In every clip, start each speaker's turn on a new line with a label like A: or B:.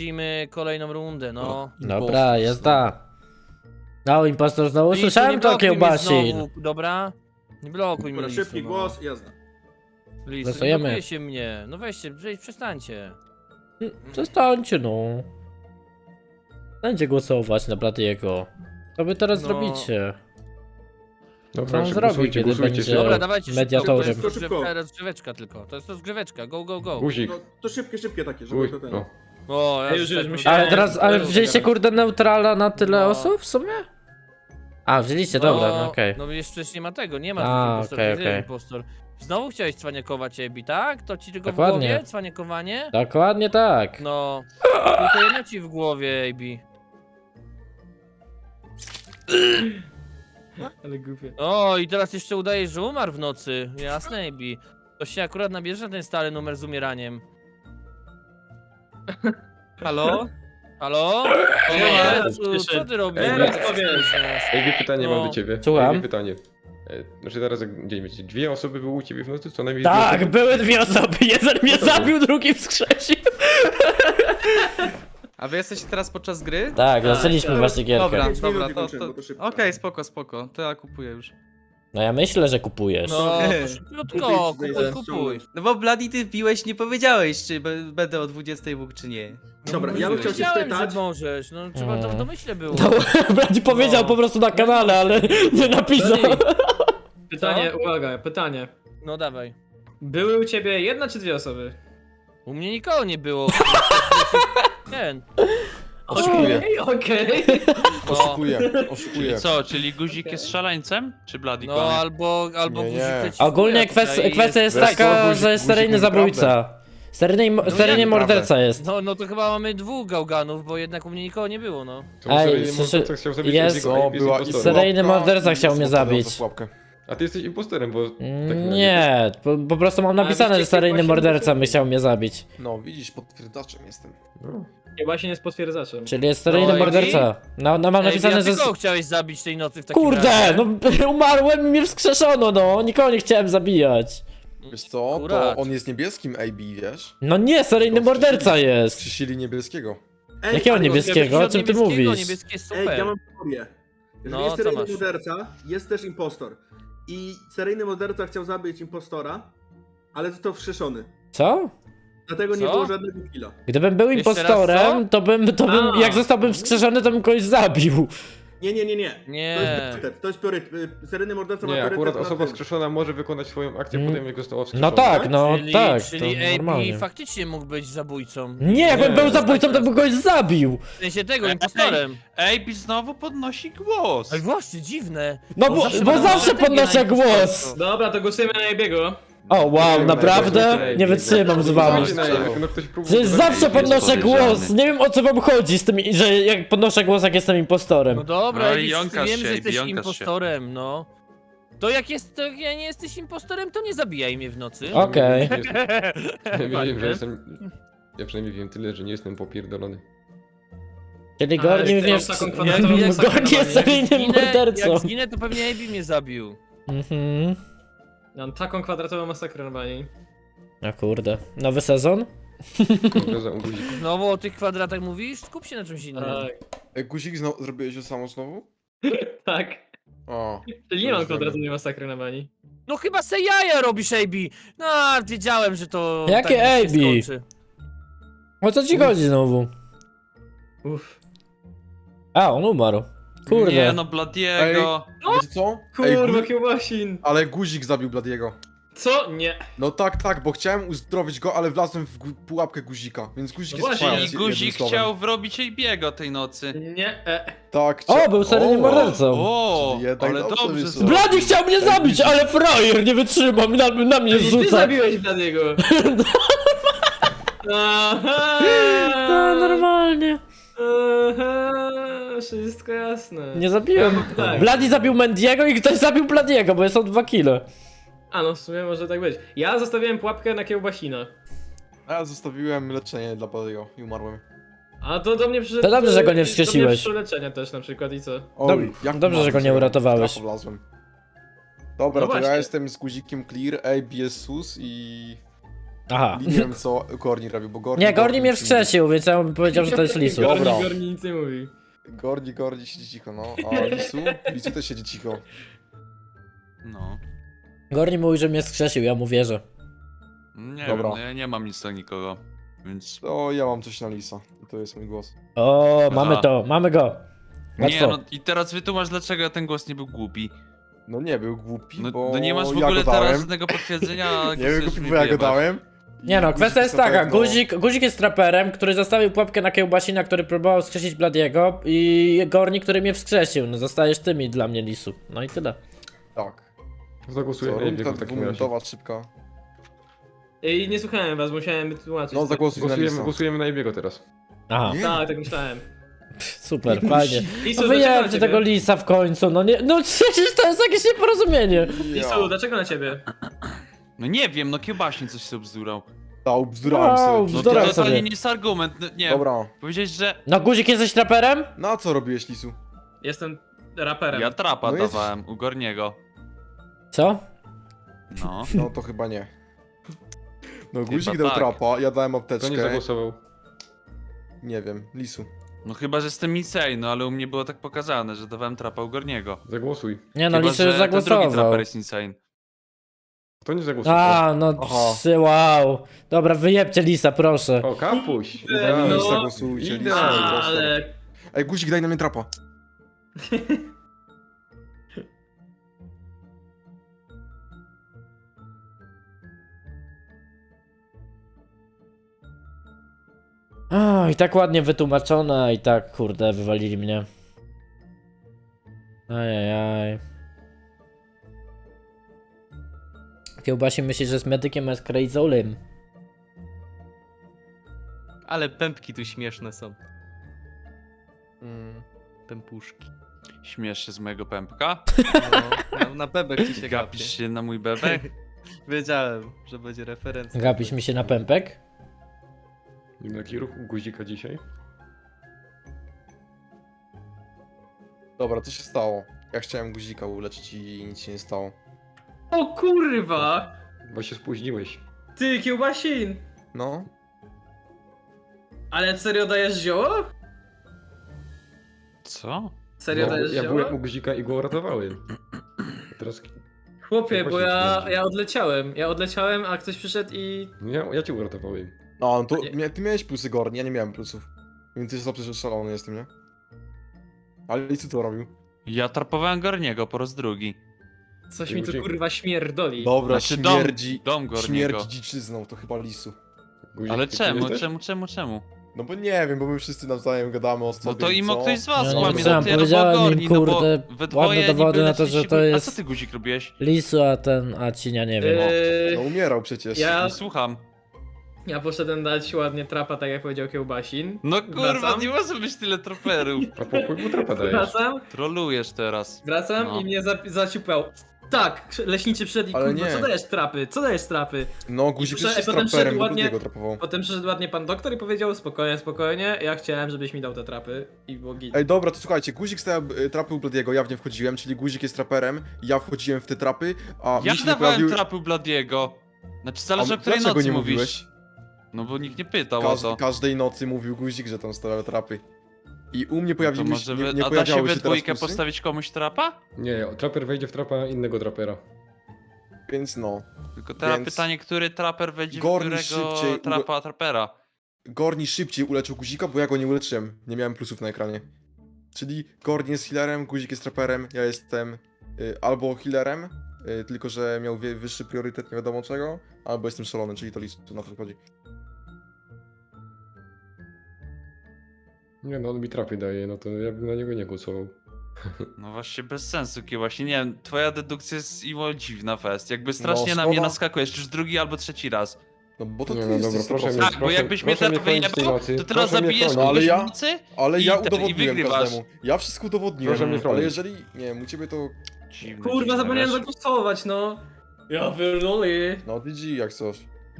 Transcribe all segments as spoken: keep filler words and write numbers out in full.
A: lecimy kolejną rundę, no.
B: Dobra, jazda. No, impostor znowu
A: Lisu, nie
B: słyszałem to
A: blokuj mnie
B: kiełbasin.
A: znowu, dobra? Nie blokuj mnie,
C: Dobra,
A: Lisu,
C: szybki
A: no.
C: głos, jazda.
A: Lisu, nie
B: Głosujemy.
A: blokuje się mnie. No weźcie, prze- przestańcie.
B: Przestańcie no. Przestańcie głosować na Bladiego. Co wy teraz
A: No.
B: zrobicie? Co
D: Dobra,
B: on
D: szybko,
B: zrobi,
D: głosujcie,
B: kiedy
D: głosujcie,
B: będzie
D: szybko.
A: Dobra, dawajcie szybko,
B: mediatorem?
A: to jest
C: Szybko, szybko.
A: rozgrzewka, rozgrzeweczka tylko. To jest rozgrzeweczka, go, go, go.
D: Guzik.
C: No, to szybkie, szybkie takie, żeby
D: Guzik.
C: to ten...
D: No.
A: O, ja
E: Już, już,
A: tak-
E: musiałem-
B: Ale teraz, ale wzięliście kurde neutrala na tyle
A: No.
B: osób w sumie? A, wzięliście,
A: No,
B: dobra, no okej.
A: No jeszcze przecież nie ma tego, nie ma
B: A,
A: dwóch impostorów,
B: okej,
A: jest jeden
B: okej.
A: impostor. Znowu chciałeś cwaniakować, Ebi, tak? To ci tylko
B: Dokładnie.
A: w głowie? Cwaniakowanie?
B: Dokładnie tak.
A: No, tylko jedno ci w głowie, Ebi.
E: Ale głupie.
A: O, i teraz jeszcze udajesz, że umarł w nocy. Jasne, Ebi. To się akurat nabierze na ten stary numer z umieraniem.
E: Halo?
A: Halo? O,
E: Nie,
A: Jezu, co
E: przyszedł.
A: ty robisz?
D: Ej,
A: Jak
E: co
A: tak
E: wiesz?
A: śmieszne?
D: Ej, pytanie
A: No.
D: mam do ciebie.
B: Słucham.
D: Ej, pytanie. E, Znaczy teraz jak gdzie wiecie, dwie osoby były u ciebie w nocy, co najmniej dwie
B: Tak,
D: osoby?
B: były dwie osoby, jeden mnie
D: No to
B: zabił, drugi wskrzesił.
F: A wy jesteście teraz podczas gry?
B: Tak, zaczęliśmy
E: tak.
B: właśnie gierkę.
F: Dobra,
C: Pięć minut
F: dobra,
C: i
F: to,
C: kończymy,
F: to...
C: bo to szybko.
F: Okej, spoko, spoko, to ja kupuję już.
B: No ja myślę, że kupujesz.
A: No, to
F: Okej.
A: szybciutko,
C: Kupić,
A: kupuj,
C: znajdę,
A: kupuj.
C: ściągnąć.
F: No bo Bloody ty piłeś, nie powiedziałeś, czy be- będę o dwudziestej mógł, czy nie.
C: Dobra, ja bym chciał się
A: Wiedziałem,
C: spytać...
A: że możesz, no trzeba to w
B: Mm.
A: domyśle było.
B: No, Brady powiedział
A: No.
B: po prostu na kanale, ale nie napisał.
E: Pytanie, uwaga, pytanie.
A: No dawaj.
E: Były u ciebie jedna czy dwie osoby?
A: U mnie nikogo nie było. Ten.
G: Oszukuję.
E: Okej, okej.
A: No,
G: Oszukuję, oszukuję.
H: Co, czyli guzik jest szaleńcem? Czy Bloody
A: no
H: kłamie?
A: albo, albo
G: Nie, nie.
A: guzik leci w
B: Ogólnie
A: górę
B: kwestia,
A: tutaj
B: kwestia jest
G: Wiesz co,
B: taka,
G: guzik-
B: że jest
G: guzik
B: seryjny
G: mówi
B: zabójca. Seryjny,
A: No
B: seryjny
A: jak
B: morderca jest.
A: No, no to chyba mamy dwóch gałganów, bo jednak u mnie nikogo nie było, no.
D: To
B: Ej,
D: seryjny
B: słyszy-
D: morderca chciał zabić
B: jest-
D: Ebiego,
G: No,
D: Ebi jest
G: była
D: impostorem.
B: Seryjny
G: seryjny
B: morderca chciał mnie zabić.
D: A ty jesteś impostorem, bo... tak
B: Mm,
D: na
B: Nie, po, po prostu mam napisane,
E: wiecie,
B: że seryjny
E: właśnie
B: morderca
E: muszę-
B: by chciał mnie zabić.
G: No, widzisz, potwierdzaczem jestem.
D: No.
E: Chyba się nie jest potwierdzaczem.
B: Czyli jest seryjny
A: No,
B: morderca. No, no mam
A: Ej,
B: napisane,
A: ja
B: że...
A: tylko chciałeś zabić tej nocy w takim
B: Kurde,
A: razie.
B: no umarłem i mnie wskrzeszono, no. Nikogo nie chciałem zabijać.
G: Wiesz co,
A: Akurat.
G: to on jest niebieskim A B, wiesz?
B: No nie, seryjny
G: To
B: morderca
G: wskrzesili-
B: jest.
G: Wskrzesili niebieskiego.
C: Ej,
B: Jakiego
C: ale-
B: niebieskiego? O czym ty
A: Niebieskiego,
B: mówisz?
A: Niebieskie jest
C: Ej,
A: super.
C: ja mam teorię. Jeżeli
A: No,
C: jest
A: co
C: seryjny
A: masz?
C: morderca, jest też impostor. I seryjny morderca chciał zabić impostora, ale został wskrzeszony.
B: Co?
C: Dlatego nie
A: Co?
C: było żadnego killa.
B: Gdybym był
A: Jeszcze raz
B: impostorem,
A: co?
B: to bym, to bym,
E: A.
B: jak zostałbym wskrzeszony, to bym kogoś zabił.
C: Nie, nie, nie, nie.
A: Nie.
C: To jest priorytet, to jest priorytet. Y, Seryjny morderca ma
D: Nie,
C: priorytet
D: akurat
C: nad
D: osoba
C: tym.
D: wskrzeszona może wykonać swoją akcję,
B: Mm.
D: potem jak została wskrzeszona.
B: No tak, no
A: czyli,
B: tak,
A: czyli
B: to
A: A B
B: normalnie.
A: faktycznie mógł być zabójcą.
B: Nie, jakbym
D: Nie.
B: był zabójcą, to bym kogoś zabił.
A: W sensie tego,
H: Ej,
A: impostorem.
H: Ejbi znowu podnosi głos.
A: Ej, właśnie, dziwne.
B: No bo,
A: zawsze
B: bo
A: mam
B: zawsze
A: strategię
B: podnoszę
A: na
B: głos.
A: impostorstwo.
E: Dobra, to głosujemy na Ebiego.
B: O wow,
D: Nie,
B: naprawdę?
D: nie,
B: Nie wytrzymam z wami.
D: Zobaczcie na jak no ktoś próbuje...
B: Przecież zawsze
H: jest
B: podnoszę
H: podejrzany.
B: głos. Nie wiem o co wam chodzi z tym, że jak podnoszę głos, jak jestem impostorem.
A: No dobra,
H: No
A: no
H: i jąkasz
A: wiem,
H: się,
A: że
H: i
A: jesteś
H: jąkasz się.
A: impostorem, no. To jak jest, to jak ja nie jesteś impostorem, to nie zabijaj mnie w nocy.
B: Okej.
D: Ja wiem, że jestem... Ja przynajmniej wiem tyle, że nie jestem popierdolony.
B: Czyli
E: A,
B: Gorni
E: jest
B: wiesz...
E: tam taką
A: Jak-
E: kwadratową
A: jak-
E: masakrę
B: Gorni jest
E: na bani.
B: seryjnym
A: Zginę,
B: mordercą.
A: jak zginę, to pewnie A B mnie zabił.
B: Mhm.
E: Mam taką kwadratową masakrę na bani.
B: O kurde. Nowy sezon?
D: Kurde, za guzik.
A: Znowu o tych kwadratach mówisz? Skup się na czymś innym.
E: Tak.
G: Ej, guzik, zno- zrobiłeś to samo znowu?
E: Tak.
G: O.
E: Czyli nie mam
G: Dobrze.
E: kwadratowej masakry na bani.
A: No chyba se jaja robisz, A B. No, wiedziałem, że to
B: Jakie
A: tak się
B: A B?
A: skończy.
B: O co ci chodzi znowu?
E: Uff.
B: A, on umarł. Kurde.
H: Nie no, Bladiego.
G: Wiecie co? Ej,
E: Kurwa,
G: gu-
E: kiełbasin.
G: ale guzik zabił Bladiego.
E: Co? Nie.
G: No tak, tak, bo chciałem uzdrowić go, ale wlazłem w gu- pułapkę guzika, więc guzik
E: No
G: jest
E: właśnie,
G: twoja,
H: Czyli guzik chciał wrobić Ejbiego tej nocy.
E: Nie. E.
G: Tak,
B: O,
G: chcia-
B: był seryjnym
G: O,
B: mordercą.
H: O,
G: Czyli jednak
H: ale
G: dobrze
H: dobrze
G: wyszło.
H: zrobił.
B: Blady chciał mnie zabić, ale frajer nie wytrzymam, na, na mnie
E: Ty
B: rzuca.
E: zabiłeś Bladiego. Aha.
B: To normalnie.
E: Aha. Wszystko jasne.
B: Nie zabiłem.
E: Tak.
B: Blady zabił Mendiego i ktoś zabił Bladiego, bo są dwa kile.
E: A no w sumie może tak być. Ja zostawiłem pułapkę na kiełbasina.
G: A ja zostawiłem leczenie dla Bladiego i umarłem.
E: A to do mnie przyszedł...
B: To dobrze, że go nie
E: Do mnie
B: wskrzesiłeś.
E: przyszło leczenie też na przykład i co?
G: Oj,
B: Dob-
G: jak
B: dobrze, że go nie
G: umarłem,
B: uratowałeś.
G: w trafo wlazłem. Dobra,
E: No
G: to
E: właśnie.
G: ja jestem z guzikiem clear, A B jest sus i...
B: Aha.
G: Nie wiem co Gorni robił, bo Gorni...
B: Nie, Gorni mnie
G: nic
B: wskrzesił, więc ja bym powiedział, że to jest Lisu.
G: Dobra.
E: Gorni, Gorni nic nie mówi.
G: mówi. Gorni, Gorni siedzi cicho, no. A Lisu? Lisu też siedzi cicho.
H: No.
B: Gorni mówi, że mnie wskrzesił, ja mu wierzę.
H: Nie
G: Dobra.
H: wiem, no ja nie mam nic do nikogo. Więc...
G: To ja mam coś na Lisa. I to jest mój głos.
B: O, mamy
H: Aha.
B: to, mamy go.
H: Nie,
B: Łatwo.
H: no i teraz wytłumacz, dlaczego ten głos nie był głupi.
G: No nie był głupi,
H: No,
G: bo
H: no nie masz w
G: ja
H: ogóle
G: go dałem.
H: teraz żadnego potwierdzenia, a
G: Nie był
H: chcesz
G: głupi,
H: mi
G: bo ja go
H: wyjebać.
G: dałem. I
B: Nie no,
G: guzik
B: kwestia jest
G: na
B: taka,
G: pewno-
B: guzik, guzik jest traperem, który zostawił pułapkę na kiełbasina, który próbował wskrzesić Bladiego i Gorni, który mnie wskrzesił. No zostajesz ty mi dla mnie, Lisu. No i tyle.
G: Tak.
D: Zagłosuję
G: Co,
D: na
G: rundka
D: Ebiego w takim razie.
G: dwuminutowa, szybka.
E: Ej, nie słuchałem was, musiałem wytłumaczyć.
G: No zagłosuj na
D: Głosujemy,
G: Lisa.
D: głosujemy na Ebiego teraz.
B: Aha,
G: Nie?
E: Tak, tak myślałem.
B: super, fajnie.
E: Lisu,
B: No
E: dlaczego na
B: wyjebcie
E: ciebie?
B: tego Lisa w końcu, no nie, no przecież to jest jakieś nieporozumienie.
E: Lisu, dlaczego na ciebie?
H: No nie wiem, no kiełbaśnie coś sobie bzdurał.
G: Dał, bzdurałem
B: Wow,
G: sobie.
H: No to
B: Bzdurał
H: totalnie
B: sobie.
H: nie jest argument, no, nie.
G: Dobra.
H: Powiedziałeś, że
B: No guzik jesteś traperem?
G: No a co robiłeś, Lisu?
E: Jestem raperem.
H: ja trapa
G: No jest-
H: dawałem u Gorniego.
B: Co?
H: No.
G: No to chyba nie. No guzik
H: Chyba
G: dał
H: tak.
G: trapa, ja dałem
D: Kto nie
G: apteczkę.
D: zagłosował?
G: Nie wiem, Lisu.
H: No chyba, że jestem insane, no ale u mnie było tak pokazane, że dawałem trapa u Gorniego.
D: Zagłosuj.
B: Nie no,
H: Chyba,
B: Lisu już
H: że ten drugi
B: zagłosował.
H: traper jest insane.
D: Kto nie zagłosował?
B: A, no
G: Aha.
B: psy, wow. Dobra, wyjebcie Lisa, proszę.
D: O, kapuś!
E: No.
D: Idealnie.
G: Lis zagłosujcie, Lis
D: Idealnie.
G: zagłosował.
E: Ale...
G: Ej, guzik daj na mnie trapa.
B: O, i tak ładnie wytłumaczone, i tak, kurde, wywalili mnie. Ajajaj. Kiełbasi myśli, że jest medykiem, a jest krejzolem.
F: Ale pępki tu śmieszne są.
G: Mm.
F: Pępuszki.
H: Śmiesz się z mojego pępka?
F: No, na, na bebek ci się gapi.
H: Gapisz się na mój bebek?
F: Wiedziałem, że będzie referencja.
B: Gapisz mi się na pępek?
D: Jaki ruch u guzika dzisiaj?
G: Dobra, co się stało? Ja chciałem guzika uleczyć i nic się nie stało.
E: O kurwa!
D: Bo się spóźniłeś.
E: Ty, kiełbasin!
G: No?
E: Ale serio dajesz zioło?
H: Co?
E: Serio
D: No,
E: dajesz
D: ja
E: zioło?
D: byłem u guzika i go uratowałem. A teraz...
E: Chłopie, bo
D: Właśnie
E: ja,
D: sprawdzi.
E: ja odleciałem. Ja odleciałem, a ktoś przyszedł i...
D: No ja, ja cię uratowałem.
G: No, no to
E: Nie.
G: mia- ty miałeś plusy, Gorni, ja nie miałem plusów. Więc jest dobrze, że szalony jestem, nie? Ale Lisu co robił?
H: Ja trapowałem Gorniego po raz drugi.
E: Coś mi tu
D: Dzięki.
E: kurwa śmierdoli.
G: Dobra,
H: Znaczy dom-
G: śmierdzi...
H: Dom Gorniego.
G: Śmierdzi dziczyzną, to chyba Lisu.
D: Guzik,
H: Ale
D: ty
H: czemu,
D: jesteś?
H: czemu, czemu, czemu?
G: No bo nie wiem, bo my wszyscy nawzajem gadamy o sobie.
H: No to i
G: co?
H: mógł ktoś z was
B: Ja nie
H: kłamie,
B: wiedziałem,
H: no ty albo
B: powiedziałem im,
H: Gorni, no bo
B: kurde,
H: we
B: ładne
H: dwoje
B: dowody
H: niby
B: na to, że
H: leciliście-
B: to
H: A
B: jest-
H: co ty guzik robiłeś?
B: Lisu, a ten, a cinia nie wiem.
E: Eee,
G: No umierał przecież.
E: Ja-
H: Nie słucham.
E: ja poszedłem dać ładnie trapa, tak jak powiedział kiełbasin.
H: No kurwa,
E: Wracam.
H: nie może być tyle troperów.
D: A pokój mu trapa dajesz.
E: Wracam,
H: Trolujesz teraz.
E: wracam
H: No.
E: i mnie za, zaciupał. Tak, leśniczy przyszedł i
G: Ale
E: kurwa,
G: nie.
E: co dajesz trapy? Co dajesz trapy?
G: No guzik
E: I potem-
G: też jest
E: potem
G: traperem,
E: szedł
G: bo
E: ładnie-
G: Bladiego trapował.
E: Potem przyszedł ładnie pan doktor i powiedział spokojnie, spokojnie, ja chciałem, żebyś mi dał te trapy i było git.
G: Ej, dobra, to słuchajcie, guzik stał y, trapy u Bladiego, ja w nie wchodziłem, czyli guzik jest traperem, ja wchodziłem w te trapy, a mi
H: Jak
G: się nie
H: dawałem
G: pojawił...
H: trapy u Bladiego? Znaczy
G: A
H: zależy o której
G: dlaczego
H: nocy
G: nie
H: mówisz.
G: mówiłeś?
H: No bo nikt nie pytał
G: Każ,
H: o to.
G: każdej nocy mówił guzik, że tam stawiały trapy. I u mnie
H: To
G: pojawiły
H: może
G: się,
H: wy...
G: nie, nie
H: A da się
G: pojawiały
H: we
G: się teraz
H: dwójkę
G: plusy,
H: postawić komuś trapa?
D: Nie, traper wejdzie w trapa innego trapera.
G: więc no.
H: Tylko teraz
G: Więc-
H: pytanie, który traper wejdzie w
G: Gorni
H: którego
G: szybciej,
H: trapa trapera.
G: Gorni szybciej uleczył guzika, bo ja go nie uleczyłem, nie miałem plusów na ekranie. Czyli Gorni jest healerem, guzik jest traperem, ja jestem y, albo healerem, y, tylko że miał wie, wyższy priorytet nie wiadomo czego, albo jestem szalony, czyli to listu na to chodzi.
D: Nie no, on mi trapy daje, no to ja bym na niego nie głosował.
H: No właśnie bez sensu, właśnie nie wiem, twoja dedukcja jest iło dziwna fest. Jakby strasznie na
G: szkoda.
H: mnie naskakujesz, już drugi albo trzeci raz.
G: No bo to
D: Nie
G: ty
D: no,
G: jesteś
D: dobra,
G: sto
D: proszę
G: procent.
D: mnie-
H: Tak, bo jakbyś mnie
D: proszę
H: teraz
D: mnie chronić tej
H: wyjebał,
D: nocy,
H: to teraz
D: proszę mnie
H: zabijesz
D: chronić.
H: kogoś
G: Ale ja-
H: w nocy
G: Ale
H: i
G: ja
H: te- i
G: udowodniłem
H: wygrywasz.
G: każdemu. Ja wszystko udowodniłem,
D: Proszę mnie
G: ale
D: chronić.
G: jeżeli... Nie wiem, u ciebie to...
H: Dziwne,
E: Kurwa,
H: dziwne,
E: zapomniałem
H: wiesz?
E: zagłosować, no. Ja pierdolę.
G: No D G jak coś.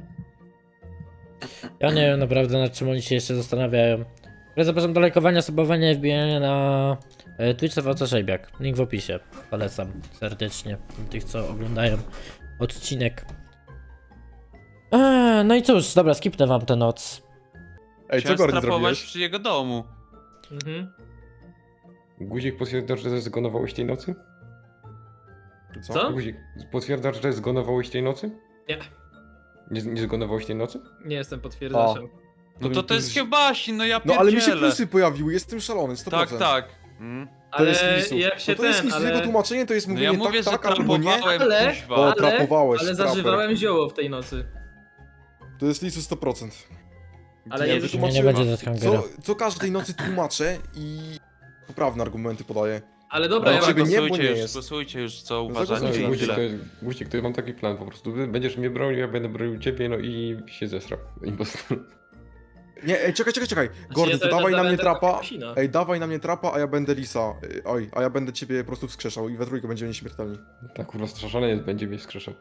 B: Ja nie wiem naprawdę nad czym oni się jeszcze zastanawiają. Ale zapraszam do lajkowania, subowania i wbijania na e, Twitch T V C Szejbiak. Link w opisie. Polecam serdecznie tych, co oglądają odcinek. Eee, no i cóż, dobra, skipnę wam tę noc.
G: Ej, co
H: Chciałem
G: Gordy
H: strapować
G: zrobiłeś?
H: przy jego domu.
E: Mhm.
D: Guzik potwierdzasz, że zgonowałeś tej nocy?
E: Co?
D: Guzik, potwierdzasz, że zgonowałeś tej nocy?
E: Nie.
D: Nie, nie zgonowałeś tej nocy?
E: Nie jestem potwierdzaczem.
H: No to to jest kiełbasi, no ja
G: No ale mi się
H: pierdzielę.
G: plusy pojawiły, jestem szalony, sto
H: Tak,
G: procent.
H: tak. Mm.
G: To
E: Ale
G: jest lisu.
E: jak się
G: no to jest
E: ten,
G: lisu,
E: ale...
G: jego tłumaczenie to jest
H: No
G: mówienie
H: ja mówię,
G: tak,
H: że
G: tak albo nie.
H: trapowałem,
E: Ale-
H: kuźwa.
G: O,
E: ale-
G: trapowałeś,
E: Ale
G: traper.
E: zażywałem zioło w tej nocy.
G: To jest lisu sto procent.
E: Ale
H: Ja
E: nie
B: Nie,
E: wytłumaczyłem.
B: nie będzie Deathhangera.
G: Co, co każdej nocy tłumaczę i poprawne argumenty podaję.
E: Ale dobra,
G: Ale
E: ja
G: żeby
E: mam...
G: nie, bo
H: głosujcie
G: nie
H: już,
G: jest.
H: głosujcie już, co
G: No
H: uważacie
G: zagłosujcie.
H: i
D: Guzik,
H: tyle.
D: to jest, Guzik, to ja mam taki plan po prostu. Ty będziesz mnie bronił, ja będę bronił ciebie, no i się zesrał. Impostor.
G: Nie, ej, czekaj, czekaj, czekaj. Gordy,
E: ja
G: to
E: to-
G: dawaj
E: to-
G: na
E: to-
G: mnie
E: to-
G: trapa.
E: Kasina.
G: Ej, dawaj na mnie trapa, a ja będę lisa. Ej, Oj, a ja będę ciebie po prostu wskrzeszał i we trójkę będziemy nieśmiertelni.
D: Tak, kurwa, straszany będzie mnie wskrzeszał.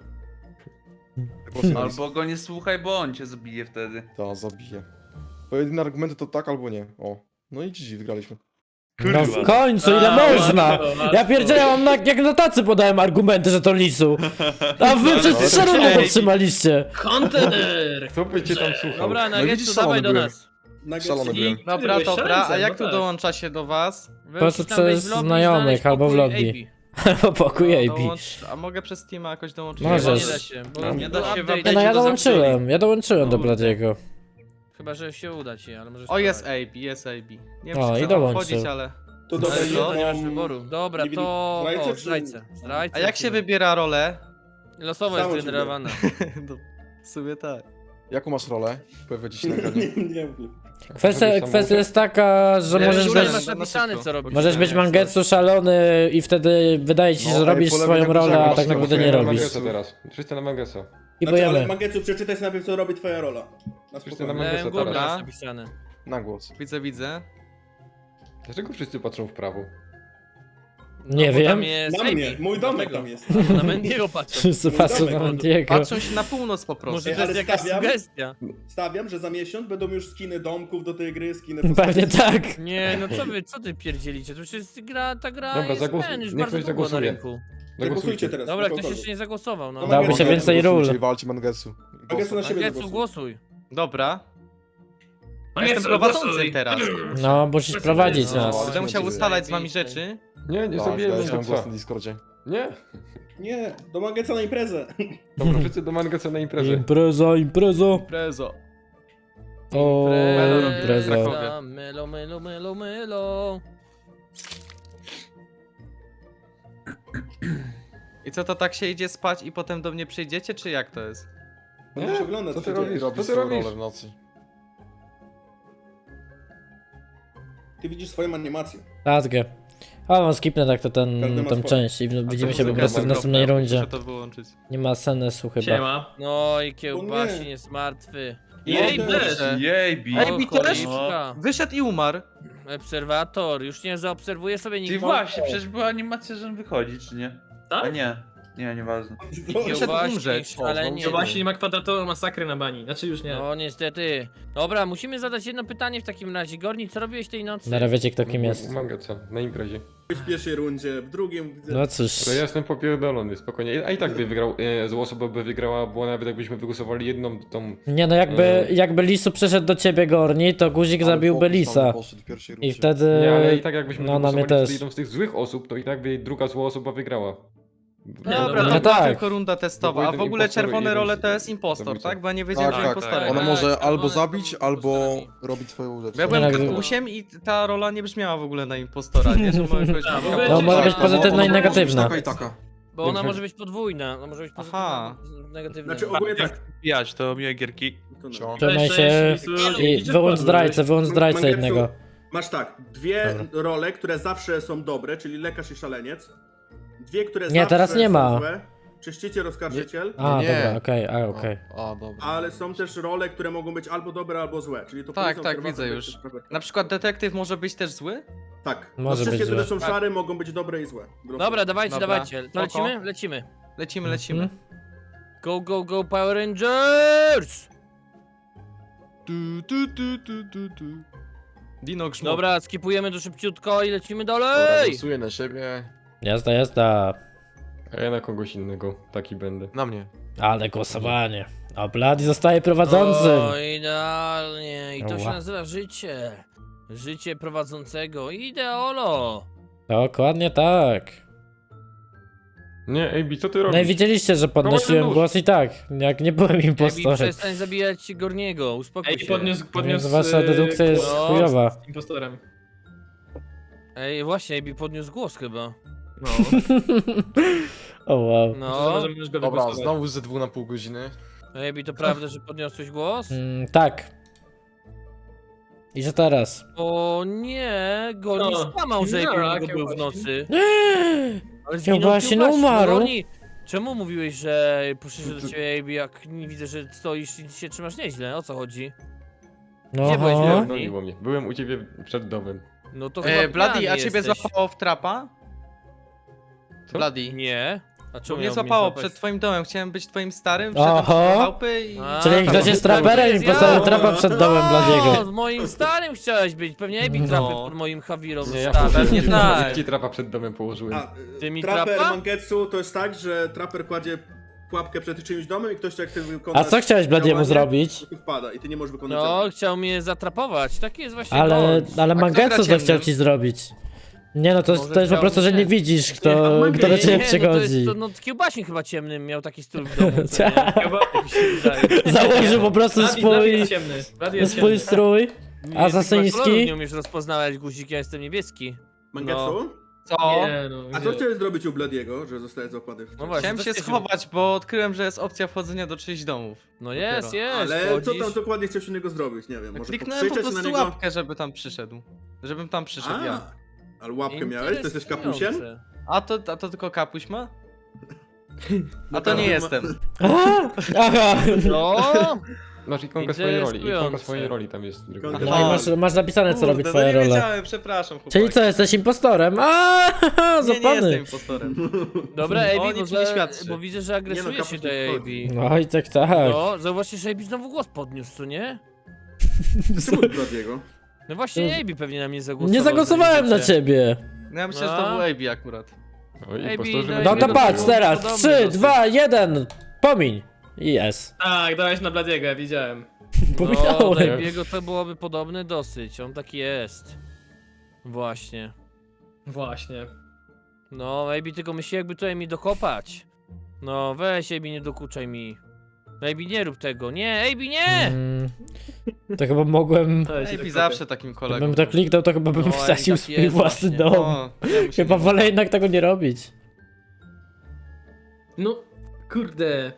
G: Po prostu na lis.
H: Albo go nie słuchaj, bo on cię zabije wtedy.
G: Ta, zabiję. Bo jedyne argumenty to tak albo nie. O. No i G G, wygraliśmy.
B: No w końcu, ile
E: A,
B: można?
E: łatwo, łatwo.
B: Ja pierdzielę, mam na, jak na tacy podałem argumenty, że to lisu. A wy przez trzy rundy to trzymaliście.
E: Kontener!
D: Kto by cię tam słuchał?
A: Dobra,
G: No
A: Nuggetsu,
G: widzisz,
A: dawaj
G: szalony
A: do
G: byłem.
A: nas.
G: Szalony byłem.
F: Dobra,
E: Byłeś
F: dobra,
E: szaleńcem,
F: a jak
E: no
F: tu
E: tak.
F: dołącza się do was?
B: Po prostu
A: Musisz tam wejść
B: przez
A: w lobby i
B: znajomych
A: znaleźć
B: albo w
A: pokój
B: lobby.
A: A B.
B: Po pokoju
F: No,
B: A B.
F: dołącz- A mogę przez Steama jakoś dołączyć?
B: Możesz.
A: Nie da się, bo
D: No,
A: nie
H: nie
A: da
H: da
A: się
H: się
A: update.
B: Nie no, ja
H: to
B: dołączyłem, ja dołączyłem do
E: Kurde.
B: Bladiego.
A: Chyba, że się uda ci, ale możesz
F: O, jest
A: spróbować.
F: A B, jest A B. Nie
B: O,
F: wiem,
B: i
F: czy chcę tam
B: dołączył.
F: wchodzić, ale...
C: To
A: Ale
C: dobra,
A: to nie masz
C: mam-
A: wyboru. Dobra,
C: nie wiem,
A: to...
C: zdrajcę
A: O,
C: czy-
A: zdrajcę. Zdrajcę.
F: A jak się
A: lecimy.
F: wybiera rolę?
A: Losowo jest
C: Samo się
A: generowana.
F: No, w sumie tak.
G: Jaką masz rolę? Pojawia ci się na ekranie.
C: Nie, nie wiem.
B: Kwestia, kwestia jest taka, że
F: Ja
B: możesz
F: już
A: Tutaj
F: na-
B: być,
A: masz napisane,
F: szybko.
A: co robisz.
B: możesz być mangetsu szalony i wtedy wydaje ci się,
G: No,
B: że
G: ej,
B: robisz
G: po lewej
B: swoją
G: na górze
B: rolę, a
G: masz
B: tak
G: tam
B: naprawdę nie
G: swoje
B: robisz.
D: Mangesa teraz. Wszyscy na Mangesa.
B: I
C: Znaczy, ale
B: pojemy.
C: Mangetsu, przeczytaj sobie najpierw, co robi twoja rola. Na
D: Wszyscy na
C: spokojnie.
D: Mangesa
A: Lewym górnym
D: teraz.
A: masz napisane.
G: Na głos.
F: Widzę, widzę.
D: Dlaczego wszyscy patrzą w prawo?
B: Nie
A: No, bo
B: wiem.
A: Tam jest
C: Na
A: A B.
C: mnie, mój domek
A: Dlatego.
C: tam jest.
A: Albo na Mendiego patrzą.
B: Wszyscy
C: Mój
B: patrzą
C: domek,
B: na
C: no.
B: Mendiego.
F: Patrzą się na północ po prostu.
A: Może
C: Ej,
A: to jest
C: ale
A: jakaś
C: stawiam-
A: sugestia.
C: Stawiam, że za miesiąc będą już skiny domków do tej gry, skiny
B: Pewnie tak.
A: Nie, no co wy, co ty pierdzielicie? To już jest gra, ta gra
D: Dobra,
A: jest
D: zagłosuj-
A: ten, już
D: niech
A: bardzo
D: ktoś
A: długo na
D: zagłosuje.
A: rynku.
C: Zagłosujcie teraz.
A: Dobra,
C: na
A: ktoś
C: kogokolwiek.
A: jeszcze nie zagłosował, no.
C: No,
B: Dałoby się
C: Mangetsu,
B: więcej ról.
G: Głosujcie i walcie Mangetsu.
C: Mangetsu na siebie
A: Mangetsu,
C: zagłosuj.
A: głosuj.
F: Dobra. Ja
E: Mangetsu,
F: jestem prowadzącym
E: głosuj.
F: teraz.
B: No, musisz prowadzić
G: No,
B: nas.
G: ale-
F: Będę musiał ustalać z wami rzeczy.
D: Nie, nie
G: Tak,
D: zabijemy
G: dajesz nam głos
D: Mangesa.
G: na Discordzie.
D: Nie.
C: Nie, do Mangetsa na imprezę.
D: Dobra, wszyscy do Mangesa na imprezę.
B: Impreza, impreza.
F: Prezo.
B: O,
A: Impreza,
B: impreza.
A: Melo, melo, melo, melo.
F: I co, to tak się idzie spać i potem do mnie przyjdziecie, czy jak to jest?
C: Będziesz oglądać,
D: co
C: co
D: ty
C: się dzieje.
D: robisz?
G: Robisz
D: Co ty
G: swoją
D: robisz?
G: rolę w nocy.
C: Ty widzisz swoją animację.
B: Tatkę. A, mam skipnę tak to ten,
C: Każdy ma
B: tą
C: swoje.
B: część i w- widzimy się po
F: Muzyka
B: prostu w
F: jest
B: następnej
F: okropna,
B: rundzie.
F: Muszę to wyłączyć.
B: Nie ma sensu chyba.
E: Siema.
A: No i
C: O nie.
A: kiełbasin jest martwy.
E: Jej,
C: No,
E: też.
H: Jejbi.
F: Ej, Bi też?
A: Cholipka.
F: Wyszedł i umarł.
A: Obserwator, już nie zaobserwuje sobie
H: Ty
A: nikt.
H: właśnie, przecież była animacja, że on wychodzi, czy nie? A
E: Tak?
H: nie. Nie, nieważne.
F: Wyszedł umrzeć.
A: Ale
E: To właśnie nie ma kwadratową masakry na bani. Znaczy już nie.
A: No niestety. Dobra, musimy zadać jedno pytanie w takim razie. Gorni, co robiłeś tej nocy?
B: Na razie wiecie kto kim jest.
D: U Mangesa, na imprezie.
C: W pierwszej rundzie, w drugim... widzę-
B: No cóż.
D: To ja jestem popierdolony, spokojnie. A i tak by wygrał, e, zła osoba by wygrała, bo nawet jakbyśmy wygłosowali jedną tą...
B: Nie no, jakby,
D: Eee.
B: jakby Lisu przeszedł do ciebie Gorni, to guzik
G: Ale
B: zabiłby
G: fokus
B: Lisa.
G: tam poszedł w pierwszej
B: I
G: rundzie.
B: wtedy...
D: Nie, ale i tak jakbyśmy
B: No, na mnie
D: wygłosowali
B: też.
D: jedną z tych złych osób, to i tak by druga zła osoba wygrała.
F: Dobra,
A: dobra.
F: to
B: No
F: była
B: tak.
F: tylko runda testowa, a w
D: jeden
F: ogóle
D: impostor i
F: czerwone
D: jeden
F: role to jest impostor,
D: zabójca.
F: tak? Bo ja nie wiedziałem,
G: Tak,
F: że
G: tak,
F: impostorem.
G: Ona
A: Tak,
G: może
A: czerwone
G: albo
A: są
G: zabić, albo
A: impostorami.
G: robić swoją rzecz.
F: Bo ja byłem
B: Nie, no,
F: katusiem i ta rola nie brzmiała w ogóle na impostora, nie? Że mogę kogoś
E: A, bo
F: spotkać.
B: No, może być
C: Tak,
B: pozytywna
C: ona
B: i
C: może być
B: negatywna.
C: Taka i taka.
A: Bo ona może być podwójna. Ona może być pozytywna,
F: Aha.
A: negatywna.
C: Znaczy ogólnie tak.
H: Pijać, to miłe gierki.
C: To no.
G: Cio.
B: Trzymaj
E: Cześć,
B: się
E: cześć,
B: i
E: Lisu.
B: wyłącz zdrajcę, wyłącz zdrajcę
C: Mangetsu,
B: jednego.
C: Masz tak, dwie
B: Dobra.
C: role, które zawsze są dobre, czyli lekarz i szaleniec. Dwie, które
B: Nie,
C: zawsze
B: teraz nie
C: są
B: ma.
C: złe. Czyściciel, oskarżyciel.
B: A,
G: Nie.
B: dobra, okej, a, okej.
G: A, dobra.
C: Ale są też role, które mogą być albo dobre, albo złe. Czyli to
F: Tak,
C: policja,
F: tak,
C: obserwator,
F: widzę
C: detektyw,
F: już.
C: prawda.
F: Na przykład detektyw może być też zły?
C: Tak.
B: Może
C: no, wszystkie,
B: być
C: które
B: złe.
C: są szare, mogą być dobre i złe.
A: Dobra, dawajcie,
F: Dobra.
A: dawajcie. To
F: Spoko.
A: lecimy? Lecimy.
F: Lecimy, lecimy.
B: Mhm.
A: Go, go, go, Power Rangers!
F: Tu, tu, tu, tu, tu, tu. Dino Grzmot.
A: Dobra, skipujemy to szybciutko i lecimy
G: Dobra,
A: dalej!
G: głosuję na siebie.
B: Jazda, jazda.
D: A ja na kogoś innego, taki będę.
G: Na mnie.
B: Ale głosowanie. A Blady zostaje prowadzącym.
A: O, idealnie. I to się
B: Ła.
A: nazywa życie. Życie prowadzącego. Ideolo.
B: Dokładnie tak.
D: Nie, Ej Bi, co ty
B: No i
D: robisz?
B: widzieliście, że podnosiłem
D: nóż.
B: głos i tak, jak nie byłem
A: Ebi,
B: impostorem.
A: przestań zabijać Gorniego. Uspokój
E: Ej,
A: się.
E: podniósł, podniósł...
B: Więc wasza
E: y,
B: dedukcja jest
E: głos
B: chujowa.
E: z impostorem.
A: Ej, właśnie, Ebi podniósł głos chyba.
E: No,
B: O wow.
E: to
A: No.
E: możemy już go
G: Dobra,
E: wygłosować.
G: znowu ze dwóch na pół godziny.
A: Ebi, to prawda, że podniosłeś głos?
B: Mm, tak. I że teraz?
A: O nie, Gorni
E: No.
A: skłamał, że
E: No,
A: Gorniego
E: jakie
A: był w
E: właśnie.
A: nocy. Ale
B: Kiełbasin
A: zginął
B: umarł.
A: Gorni, czemu mówiłeś, że przyszedł do ciebie Ebi, jak nie widzę, że stoisz i się trzymasz nieźle? O co chodzi?
B: No
A: Gdzie byłeś,
B: aha.
A: Gorni?
D: Goniło mnie. Byłem u ciebie przed domem.
A: No to
F: E,
A: chyba
F: Bloody,
A: pijany
F: a ciebie
A: jesteś.
F: złapało w trapa?
D: Co?
F: Bloody.
A: Nie. A
F: Bo
A: czemu
F: mnie
A: miałby
F: złapało
A: złapać?
F: przed twoim domem, chciałem być twoim starym,
B: Aha.
F: wszedłem do małpy i...
A: A,
B: Czyli
A: to
B: ktoś jest
A: to
B: traperem i
A: jest
B: postawił
A: ja.
B: trapa przed domem
A: No,
B: Bladiego.
A: moim starym chciałeś być. Pewnie Ebi
B: No.
A: trapy pod moim Hawirą
D: Nie, ja
A: zostawił.
F: pewnie tak.
D: Ja ci trapa przed domem położyłem.
C: A,
A: Ty mi
C: traper
A: trapa?
C: Mangetsu to jest tak, że traper kładzie pułapkę przed czyimś domem i ktoś jak chce wykonać
B: A co chciałeś Bladiemu
C: działanie,
B: zrobić?
C: to tu wpada i ty nie możesz wykonać
A: No,
C: zadania.
A: chciał mnie zatrapować. Taki jest właśnie
B: Ale,
A: błąd.
B: ale
F: A kto
B: Mangetsu
F: gra
B: co chciał
F: ciemnym?
B: ci zrobić? Nie no, to,
A: Może
B: to jest po
A: chciał
B: prostu, że
A: mnie.
B: nie widzisz,
C: Nie,
B: kto,
C: a Mangetsu-
B: kto do ciebie
A: Nie, no to
B: przychodzi.
A: jest, to, no Kiełbasin chyba ciemnym miał taki styl w domu, co nie?
B: Tak.
E: Chyba...
A: Tak mi się wydaje.
B: Założył po prostu
E: Bloody, Bloody
B: swój,
E: jest ciemny. Bloody jest
B: swój
E: ciemny.
B: strój
A: Nie, ty chyba kolorów
B: asasyński.
A: nie umiesz rozpoznawać, guzik, ja jestem niebieski.
C: Mangetsu?
F: Co?
E: Nie, no,
C: A co
E: gdzie?
C: chciałeś zrobić u Bladiego, że zostaje złapany w
A: No właśnie,
F: Chciałem
A: co
F: się
A: chciałeś-
F: schować, bo odkryłem, że jest opcja wchodzenia do czyichś domów.
A: No jest,
F: Dopiero.
A: jest,
C: Ale co
A: wchodzisz.
C: tam dokładnie chciałeś innego zrobić? Nie wiem, może
F: Kliknąłem po
C: pokrzyczeć na
F: prostu
C: niego?
F: łapkę, żeby tam przyszedł. Żebym tam przyszedł ja.
C: A, ale łapkę miałeś? To jesteś kapusiem?
A: Interesujące.
F: A to, a to tylko kapuś ma?
C: No
F: A to nie
C: każdy ma-
F: jestem.
B: A, aha.
A: No,
D: Masz ikonkę swojej roli. Ikonka
A: Interesujące.
D: swojej roli tam jest.
C: Ikonka.
B: No i masz, masz napisane co robi
F: Kurde,
B: twoja
F: no nie
B: rola.
F: wiedziałem, przepraszam chłopaki.
B: Czyli co, jesteś impostorem? A,
F: Nie, nie
B: zapany.
F: jestem impostorem.
A: dobra,
F: O
A: Ebi, bo,
F: niczym
A: za,
F: nie świadczy.
A: bo widzę, że agresujesz
C: kapuś
A: się
C: nie
A: tej
C: wchodzi.
A: Ebi.
B: No i tak, tak.
A: No, zauważcie, że Ebi znowu głos podniósł, co nie?
C: Czemu Bladiego?
A: No właśnie,
B: To-
A: Ebi pewnie na mnie zagłosował.
B: Nie zagłosowałem na
A: wiecie.
B: ciebie.
F: No ja myślę, że
A: No.
F: to był A B akurat.
D: Oj,
A: Ej,
D: impostorzy
A: Bi,
D: będą
B: No to
A: Ej,
B: patrz
A: no,
B: teraz.
A: podobny
B: trzy,
A: dosyć.
B: dwa, jeden. Pomiń. Jest.
E: Tak, dałeś na Bladiego, ja widziałem.
A: No, do
B: Pominąłem.
A: Ebiego to byłoby podobny dosyć, on taki jest. Właśnie.
E: Właśnie.
A: No, Ebi tylko myśli jakby tutaj mi dokopać. No, weź Ebi, nie dokuczaj mi. Ebi, nie rób tego, nie, Ebi, nie!
B: Mm, to chyba mogłem...
E: To jest
F: A
E: tak
F: B zawsze takim kolegą.
B: Gdybym to kliknął, to chyba bym
A: No, i
B: wsadził
A: tak
B: swój
A: jest
B: własny
A: właśnie.
B: dom.
F: O, ja mu się
B: Chyba
F: nie
B: wolę jednak tego nie robić.
E: No, kurde.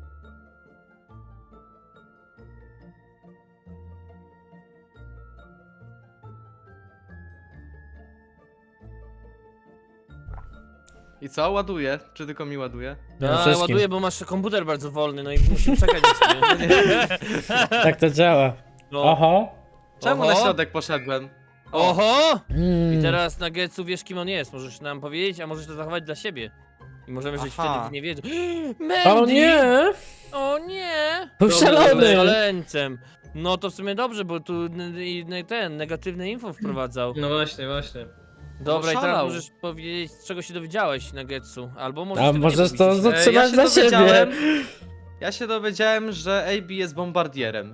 F: I co, ładuje? Czy tylko mi ładuje?
B: No,
A: Ja
B: wszystkim.
A: ładuję, bo masz komputer bardzo wolny, no i musimy czekać na ciebie.
B: Tak to działa.
A: No.
B: Oho.
F: Czemu
A: Oho.
F: na środek poszedłem?
A: Oho!
B: Mm.
A: I teraz na Getsu wiesz kim on jest, możesz nam powiedzieć, a możesz to zachować dla siebie. I możemy żyć
F: Aha.
A: wtedy w niewiedzy.
B: O
A: Mandy!
B: nie!
A: O nie!
B: Był
E: Dobra,
B: szalony!
A: Szaleńcem. No to w sumie dobrze, bo tu n- n- ten negatywne info wprowadzał.
E: No właśnie, właśnie.
A: Dobra, i teraz
F: szalał.
A: możesz powiedzieć, z czego się dowiedziałeś na Getsu. Albo możesz
B: A
A: tego nie
B: możesz to
A: powiedzieć.
F: E, ja
B: zatrzymać
F: się
B: dla siebie.
F: dowiedziałem, ja się dowiedziałem, że A B jest bombardierem.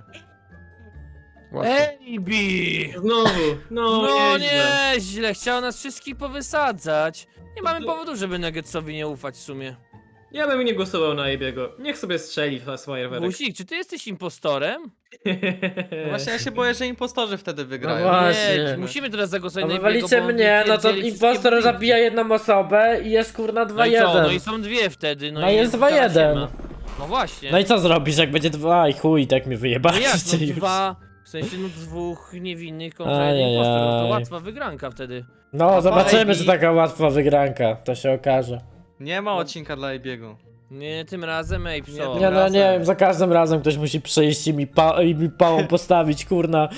D: Łatwo.
A: Ejbi!
E: Znowu, no,
A: No
E: nieźle.
A: nieźle, chciał nas wszystkich powysadzać. Nie mamy powodu, żeby Nuggetsowi nie ufać w sumie.
E: Ja bym nie głosował na Ebiego. Niech sobie strzeli w swoje werek.
A: Busik, czy ty jesteś impostorem?
F: No właśnie ja się boję, że impostorzy wtedy wygrają.
B: No właśnie.
A: Nie, musimy teraz zagłosować
B: No
A: na
B: wywalicie
A: Ebiego, bo on
B: mnie, no to
A: pierdzieli wszystkie
B: impostor
A: budynki.
B: zabija jedną osobę i jest kurna
A: No i co? No i
B: dwa jeden.
A: są dwie wtedy, no,
B: No
A: i
B: jest
A: kara się
B: dwa jeden.
A: ma. No właśnie.
B: No i co zrobisz, jak będzie dwa i chuj, tak mnie
A: No jak,
B: wyjebaliście
A: no
B: już.
A: dwa, w sensie no dwóch niewinnych kontra
B: Ajajaj.
A: jeden impostor, no to łatwa wygranka wtedy.
B: No, zobaczymy,
F: A B?
B: czy taka łatwa wygranka, to się okaże.
F: Nie ma odcinka dla A B'ego.
A: Nie, tym razem Ape, co?
F: Nie,
B: Nie no,
F: razem.
B: nie wiem, za każdym razem ktoś musi przyjść i mi, pa i mi pałą postawić, kurna.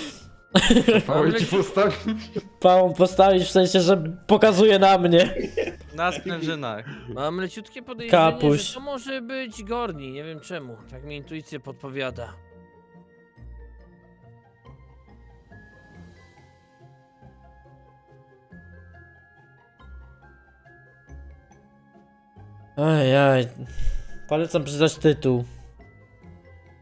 D: Mało ci postawić.
B: Pałą postawić w sensie, że pokazuje na mnie.
F: Na sprężynach.
A: Mam leciutkie podejrzenie,
B: Kapuś.
A: że to może być Gorni, nie wiem czemu, tak mi intuicja podpowiada.
B: Ajaj. Polecam przeczytać tytuł.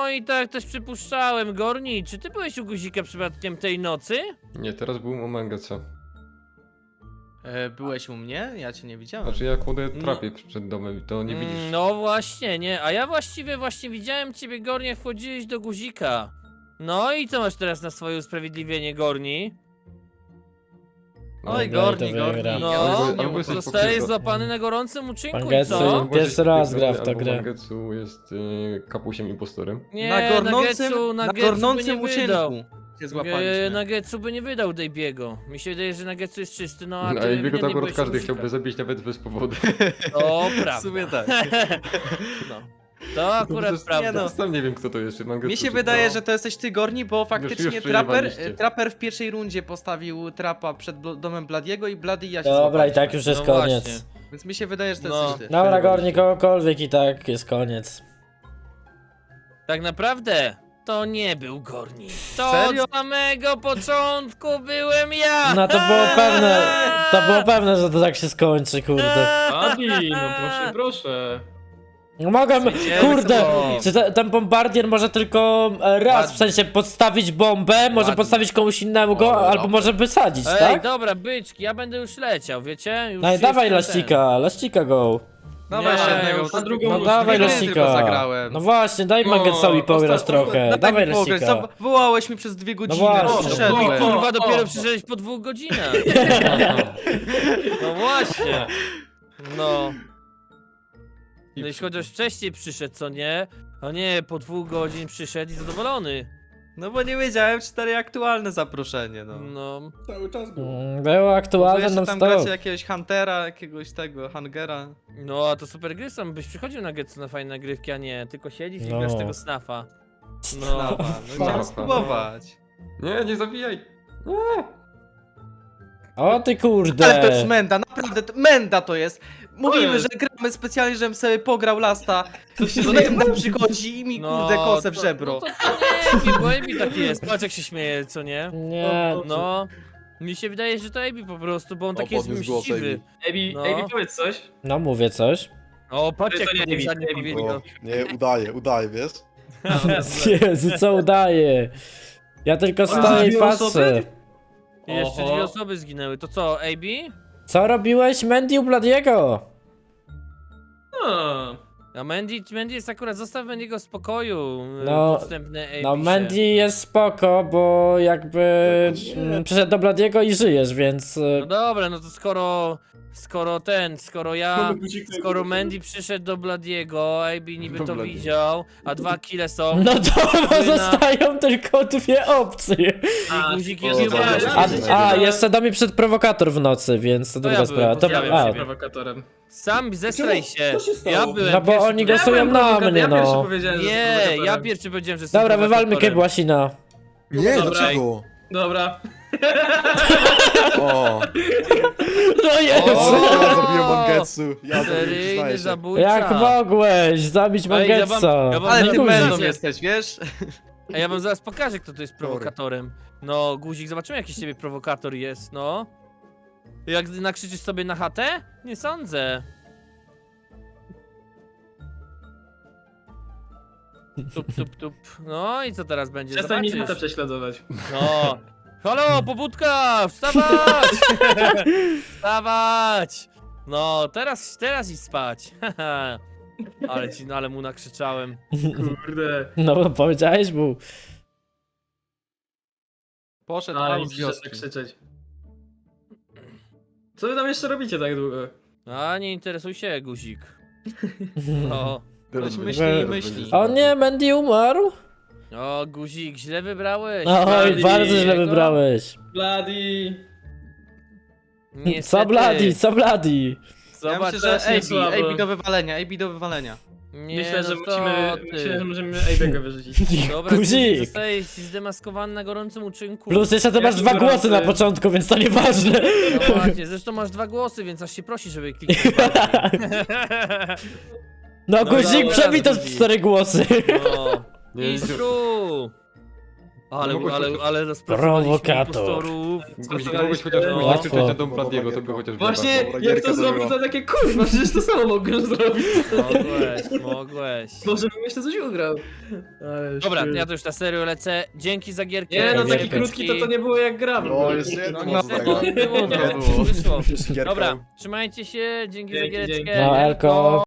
A: No i tak też przypuszczałem. Gorni, czy ty byłeś u Guzika przypadkiem tej nocy?
D: Nie, teraz był u Mangetsa.
F: E, byłeś u mnie? Ja cię nie widziałem.
D: Znaczy ja kładę trapię przed domem i to nie
A: Mm,
D: widzisz.
A: No właśnie, nie. A ja właściwie właśnie widziałem ciebie, Gorni, jak wchodziłeś do Guzika. No i co masz teraz na swoje usprawiedliwienie, Gorni?
F: Oj,
B: No,
F: Gorni,
B: to
F: Gorni.
B: wygra.
A: No,
F: ja
D: Albo-
F: już nie
D: albo jesteś
F: ufam.
A: Zostajesz
D: pokrzywdzony.
A: złapany na gorącym uczynku i
B: Mangetsu.
A: co?
D: Albo
B: Pierwszy
D: jesteś
B: raz
D: wygrany,
B: gra w tę
D: albo
B: grę.
D: Mangetsu jest y, kapusiem impostorem.
A: Nie,
F: Na gorącym,
A: Nagetsu,
F: na
A: Nagetsu by
F: gorącym
A: nie wydał.
F: uczynku się
A: E,
F: złapaliśmy.
A: Nagetsu by nie wydał Dejbiego. Mi się wydaje, że Nagetsu jest czysty, no a
D: No,
A: ty
D: a jego to
A: ewidentnie
D: akurat
A: byłeś
D: każdy
A: u Guzika.
D: chciałby zabić nawet bez powodu.
A: To
F: W
A: prawda.
F: sumie tak.
A: No. To akurat
D: No, to
A: prawda.
F: no.
D: Sam nie wiem kto to jest, czy Mangetsu.
F: Mi się
D: czy
F: wydaje,
D: kto.
F: że to jesteś ty, Gorni, bo faktycznie
D: już
F: traper,
D: przejebaliście.
F: traper w pierwszej rundzie postawił trapa przed blo- domem Bladiego i Blady i ja się
B: Dobra, i
F: złapaliśmy.
B: tak już jest
A: No
B: koniec.
A: właśnie.
F: Więc mi się wydaje, że to
A: No.
F: jesteś ty.
B: Dobra, Gorni, kogokolwiek i tak jest koniec.
A: Tak naprawdę to nie był Gorni. To
F: Serio?
A: od samego początku byłem ja!
B: No to było pewne, to było pewne, że to tak się skończy, kurde.
E: Adi, no proszę, proszę.
B: No mogę,
A: Zwycięstwo.
B: kurde, czy te, ten bombardier może tylko e, raz, w sensie podstawić bombę, może
A: Ładnie.
B: podstawić komuś innemu go,
H: O,
B: albo
H: dobra.
B: może wysadzić,
A: Ej,
B: tak?
A: dobra, byczki, ja będę już leciał, wiecie? Już
B: No i dawaj
A: jestem ten.
B: laścika, laścika go.
F: Dawaj
A: Nie,
F: jeszcze jednego.
E: już na drugą
B: No
E: nóż
B: dawaj
E: nie
F: Gry
B: laścika.
F: tylko zagrałem.
B: No właśnie, daj
E: No,
B: Mangetsowi pograć
E: ostatnio-
B: trochę,
F: No
B: dawaj
F: tak mi pograć,
B: laścika.
F: za- wołałeś mi przez dwie godziny,
B: właśnie.
F: no,
B: O,
F: przyszedłem.
E: o,
A: Kurwa, dopiero
E: o.
A: przyszedłeś po dwóch godzinach. No właśnie. No. No jeśli chociaż wcześniej przyszedł, co nie? A nie, po dwóch godzin przyszedł i zadowolony.
F: No bo nie wiedziałem, czy to aktualne zaproszenie, no.
A: No.
C: Cały czas było.
B: Mm, Było aktualne
F: Jeszcze
B: non
F: tam
B: stop.
F: gracie jakiegoś Huntera, jakiegoś tego, Hangera.
A: No, a to super gry są, byś przychodził na Getsu na fajne nagrywki, a nie, tylko siedzisz i
B: No.
A: grasz tego snafa. No.
F: Snafa, no
D: Snafa.
F: chciałem spróbować.
D: Nie, nie zabijaj! Nie!
B: O ty kurde.
F: Ale to jest menda, naprawdę, to, menda to jest. Mówimy,
E: jest.
F: że gramy specjalnie, żebym sobie pograł lasta.
E: To się
F: Menda przychodzi i mi kurde kosę w
A: to-
F: żebro.
A: No to, to nie, bo Ebi taki jest, patrz jak się śmieje, co nie?
B: Nie.
A: No. Mi się wydaje, że to Ebi po prostu, bo on
G: O,
A: taki jest
G: podniósł głos
A: mściwy.
G: Ebi.
E: Ebi,
A: No.
E: Ebi, powiedz coś.
B: No mówię coś.
A: O, patrz
E: To
A: jak
E: nie
A: to
E: Ebi,
A: żadnie
E: Ebi
A: powiedział.
G: O, nie, udaje, udaje, wiesz?
B: Jezu, co udaje? Ja tylko stoję i
E: dwie
B: patrzę.
E: osoby?
A: I Jeszcze
E: Oho.
A: dwie osoby zginęły, to co, Ebi?
B: Co robiłeś, Mandy u Bladiego?
E: No.
A: A Mandy, Mandy jest akurat, zostaw Mandy'ego w spokoju.
B: No,
A: No, podstępny Ebi
B: No
A: się.
B: Mandy jest spoko, bo jakby mm, przyszedł do Bladiego i żyjesz, więc... e,
A: No dobra, no to skoro, skoro ten, skoro ja, skoro Mandy przyszedł do Bladiego, Ebi niby
D: Do
A: to
D: Bladiego.
A: widział, a dwa kile są,
B: No to
A: Syna.
B: zostają tylko dwie opcje.
A: i guzik
C: o,
A: jest
C: dobra,
A: nieważny.
B: A,
C: dobra.
B: a jeszcze da mi przed prowokator w nocy, więc to
A: To
B: druga
A: ja byłem,
B: sprawa. To,
A: pozdrawiam
E: Ja
B: a,
E: byłem prowokatorem.
A: Sam zestraj się,
C: Co się stało?
A: ja byłem
B: No bo
A: pierwszy,
B: oni
A: który-
B: głosują
E: byłem
B: na
E: prowokatorem,
B: mnie,
E: ja pierwszy
B: no.
E: powiedziałem, że jestem
A: Nie, ja
E: prowokatorem.
A: pierwszy powiedziałem, że jestem
B: Dobra, wywalmy
A: prowokatorem.
B: Kebłasina.
G: Nie,
E: Dobra.
G: dlaczego?
E: Dobra.
G: O,
B: No jest!
A: O!
G: ja zabiłem Mangetsu. Ja to
A: Seryjny
G: przyznaję się.
A: zabójca.
B: Jak mogłeś zabić
A: Ej, ja wam-
B: Mangetsa?
A: ja wam
F: Ale
A: No,
F: ty
A: no,
F: mendą
A: guzik.
F: jesteś, wiesz?
A: A ja wam zaraz pokażę, kto to jest prowokatorem. No, guzik, zobaczymy jaki z ciebie prowokator jest, no. Jak nakrzyczysz sobie na chatę? Nie sądzę. Tup, tup, tup. No i co teraz będzie?
E: Przestań mi
A: Zobaczysz.
E: chatę prześladować.
A: No. Halo, pobudka! Wstawać! Wstawać! No, teraz, teraz idź spać. ale ci, ale mu nakrzyczałem.
E: Kurde.
B: No bo powiedziałeś mu.
F: Poszedł
E: Ale
F: out
E: mi
F: z
E: przyszedł
F: wioski.
E: krzyczeć. Co wy tam jeszcze robicie tak długo?
A: A nie interesuj się, guzik. No.
D: Teraz
F: Ktoś
D: będzie-
F: myśli i
D: teraz
F: myśli.
D: będzie
B: O nie, Mandy umarł?
A: O, guzik, źle wybrałeś.
B: Oj,
E: Bladi,
B: bardzo źle
A: jego?
B: wybrałeś.
E: Bloody.
A: Niestety.
B: Co Bladi, co Bladi?
F: Ja
A: Zobacz,
F: myślę, że
E: strasznie
F: A B,
E: słabo.
F: A B do wywalenia, A B do wywalenia.
A: nie,
E: Myślę, że
A: no
E: musimy,
A: co ty.
E: myślę, że możemy Ejbego wyrzucić.
A: Dobra, guzik,
B: Guzik!
A: zostajesz zdemaskowany na gorącym uczynku.
B: Plus jeszcze ty masz
E: Jaki
B: dwa
E: gorący.
B: głosy na początku, więc to nieważne.
A: No właśnie, zresztą masz dwa głosy, więc aż się prosi, żeby kliknąć bardziej.
B: No
A: No
B: guzik
A: dobra,
B: przebij to
A: guzik.
B: cztery głosy.
A: No.
D: Nie,
A: Mistrzu! Ale,
D: No mogłeś
A: ale,
D: chociaż-
A: ale rozpracowaliśmy
B: Prowokator.
A: impostorów.
D: Guzik, mogłeś chociaż
A: No.
D: nakrzyczeć na dom
G: No,
D: Bladiego, to
G: dobra,
D: by chociaż
E: Właśnie,
G: Dobra,
E: jak
G: gierka
E: to zrobił,
G: zrobiła.
E: to takie kurwa, przecież to samo mogłem zrobić.
A: Mogłeś, mogłeś.
E: Może bym jeszcze coś ugrał. Ale
A: Dobra,
E: shit.
A: ja to już na serio lecę. Dzięki za gierkę.
E: Nie, no taki
B: Giereczki.
E: krótki to to nie było jak gra. w
G: No,
E: ogóle.
G: jeszcze jedno
A: No,
G: można
A: no,
G: zagrać.
A: było, no,
F: Nie było.
A: wyszło.
G: Gierka.
A: Dobra, trzymajcie się, dzięki za
E: Dzięki,
A: giereczkę.
E: dzięki.
B: No, Elko.